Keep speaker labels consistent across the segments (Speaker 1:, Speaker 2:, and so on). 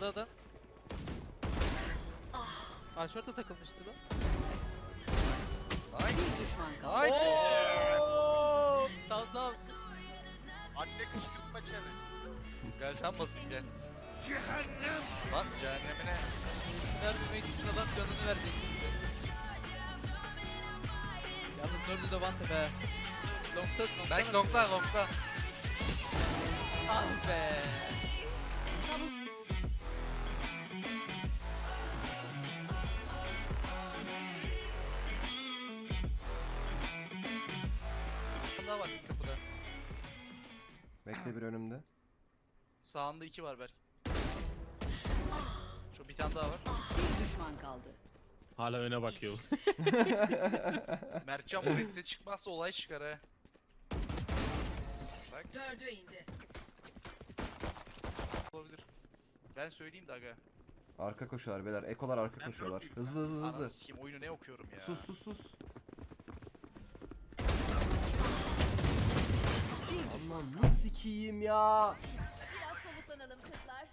Speaker 1: Sağda adam. Aşorta takılmıştı lan.
Speaker 2: Bir düşman kaldı.
Speaker 3: Nice.
Speaker 1: Ooo! Sağ sağ.
Speaker 3: Anne kışkırtma challenge. Gel sen basayım gel. Cehennem. Lan cehennemine.
Speaker 1: Vermemek için adam canını verecek. Yalnız Nurlu da vantep he. Long'da
Speaker 3: Berk longta longta.
Speaker 1: Ah be.
Speaker 3: Daha var kapıda.
Speaker 4: Bekle bir önümde.
Speaker 3: Sağında 2 var Berk. Şu bir tane daha var.
Speaker 2: Bir düşman kaldı.
Speaker 5: Hala öne bakıyor.
Speaker 3: Mertcan bu redde çıkmazsa olay çıkar ha. Bak
Speaker 2: Dördü indi.
Speaker 3: olabilir. Ben söyleyeyim de aga.
Speaker 4: Arka koşuyorlar beyler. Ekolar arka koşuyorlar. Hızlı hızlı hızlı.
Speaker 3: Ananı sikeyim oyunu ne okuyorum ya.
Speaker 4: Sus sus sus. Aman nasıl sikiyim ya.
Speaker 6: Biraz soluklanalım kızlar.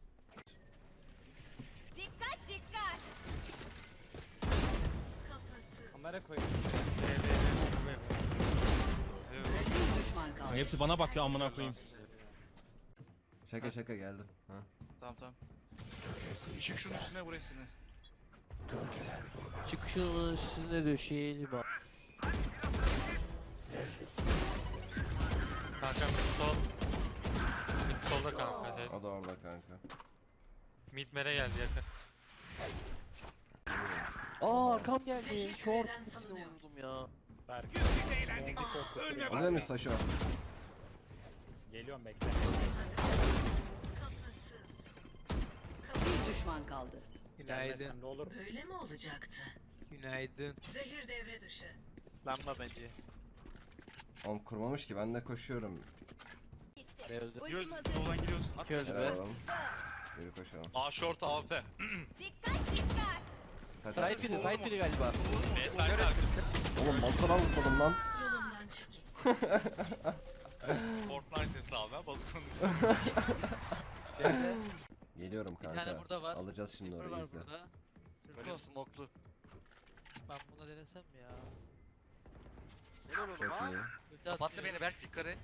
Speaker 6: Dikkat dikkat.
Speaker 7: Kamera koymuş.
Speaker 2: Bir düşman kaldı.
Speaker 5: Hepsi bana bakıyor amına koyayım.
Speaker 4: Şaka şaka geldim. Ha.
Speaker 3: Tamam tamam. Çık şunun üstüne burasını.
Speaker 1: Çıkışın üstüne döşeyelim abi.
Speaker 7: Kanka mid sol. Mid solda kanka. Evet.
Speaker 4: O da orada kanka.
Speaker 7: Mid mere geldi yakın.
Speaker 1: Aa arkam geldi. Short. Hepsine vurdum ya.
Speaker 4: Alıyor muyuz taşı?
Speaker 7: Geliyorum bekle.
Speaker 2: Bir düşman kaldı.
Speaker 1: Günaydın.
Speaker 7: Ne olur.
Speaker 2: Böyle mi olacaktı?
Speaker 1: Günaydın.
Speaker 2: Zehir devre dışı.
Speaker 7: Lamba bence.
Speaker 4: Oğlum kurmamış ki ben de koşuyorum.
Speaker 1: Ne öldü?
Speaker 6: Ultim hazır.
Speaker 3: Soldan giriyorsun. At.
Speaker 1: İki öldü
Speaker 4: Helal
Speaker 1: be.
Speaker 4: oğlum. Yürü koşalım.
Speaker 3: A short AWP.
Speaker 6: Dikkat dikkat.
Speaker 4: Kaç
Speaker 1: Side biri, side biri galiba.
Speaker 4: Oğlum baltadan vurmadım lan.
Speaker 2: Yolumdan çekil.
Speaker 3: Fortnite hesabı ha bazukonun
Speaker 4: Geliyorum
Speaker 1: Bir tane
Speaker 4: kanka.
Speaker 1: burada var.
Speaker 4: Alacağız şimdi
Speaker 1: Var
Speaker 4: orayı izle.
Speaker 1: burada.
Speaker 3: Böyle
Speaker 1: Türko,
Speaker 3: smoklu.
Speaker 1: ben buna denesem mi ya?
Speaker 3: Helal oğlum
Speaker 4: Çok
Speaker 3: ha.
Speaker 4: iyi.
Speaker 1: Ulti
Speaker 3: Kapattı
Speaker 1: atmıyor.
Speaker 3: beni Berk yukarı.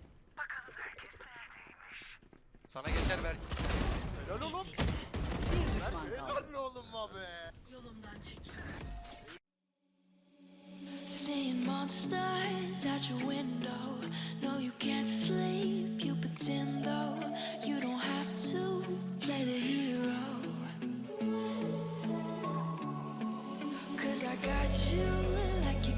Speaker 3: Sana geçer Berk. Helal oğlum.
Speaker 2: Bir düşman kaldı.
Speaker 3: Helal oğlum abi.
Speaker 2: Yolumdan çekil.
Speaker 8: Seeing monsters out your window. No, you can't sleep, you pretend though. You don't have to play the hero. 'Cause I got you like you